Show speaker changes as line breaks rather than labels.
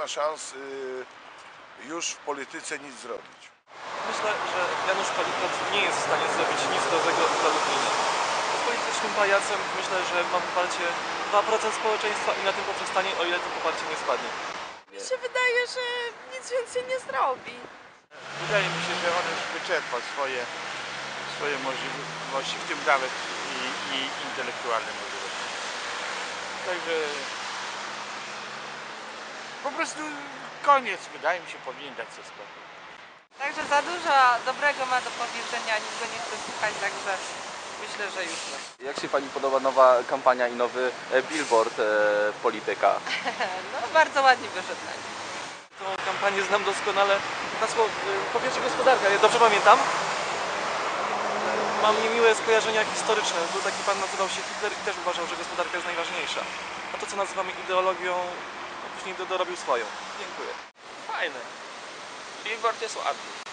ma szans już w polityce nic zrobić.
Myślę, że Janusz Palikot nie jest w stanie zrobić nic dobrego dla Lublina. Jest politycznym pajacem, myślę, że ma poparcie 2% społeczeństwa i na tym poprzestanie, o ile to poparcie nie spadnie.
Mi się wydaje, że nic więcej nie zrobi.
Wydaje mi się, że on już wyczerpał swoje możliwości, w tym nawet i intelektualne możliwości. Także po prostu koniec, wydaje mi się, powinien dać sobie spokój.
Także za dużo dobrego ma do powiedzenia, nic go nie chce słuchać, także myślę, że już nie.
Jak się Pani podoba nowa kampania i nowy billboard polityka?
No bardzo ładnie wyszedł.
Tą kampanię znam doskonale. Hasło po pierwsze gospodarka, ja dobrze pamiętam. Mam niemiłe skojarzenia historyczne. Był taki pan, nazywał się Hitler i też uważał, że gospodarka jest najważniejsza. A to, co nazywamy ideologią, no później dorobił swoją. Dziękuję.
Fajne. Billboard jest ładny.